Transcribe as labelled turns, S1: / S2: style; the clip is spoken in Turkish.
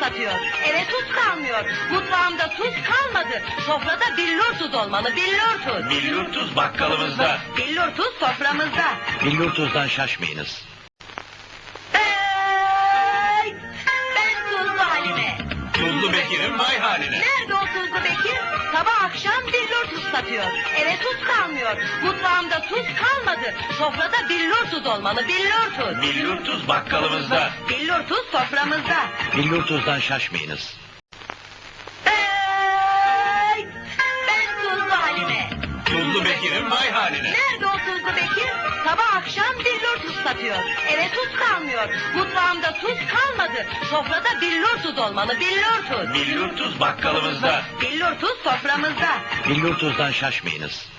S1: satıyor. Eve tuz kalmıyor. Mutfağımda tuz kalmadı. Sofrada billur tuz olmalı, billur tuz.
S2: Billur tuz bakkalımızda.
S1: Billur tuz soframızda.
S2: Billur tuzdan şaşmayınız.
S1: Hey! Ben Tuzlu Halime.
S2: Tuzlu Bekir'in vay haline.
S1: Nerede o Tuzlu Bekir? Sabah akşam billur tuz satıyor. Eve tuz kalmıyor. Mutfağımda tuz kalmadı. Sofrada billur tuz olmalı, billur tuz.
S2: Billur tuz bakkalımızda.
S1: Billur tuz soframızda.
S2: Billur tuzdan şaşmayınız.
S1: Hey! Ben Tuzlu Halime.
S2: Tuzlu Bekir'in vay haline.
S1: Nerede o Tuzlu Bekir? Sabah akşam billur tuz satıyor. Eve tuz kalmıyor. Mutfağımda tuz kalmadı. Sofrada billur tuz olmalı, billur tuz.
S2: Billur tuz bakkalımızda.
S1: Billur tuz soframızda.
S2: Billur tuzdan şaşmayınız.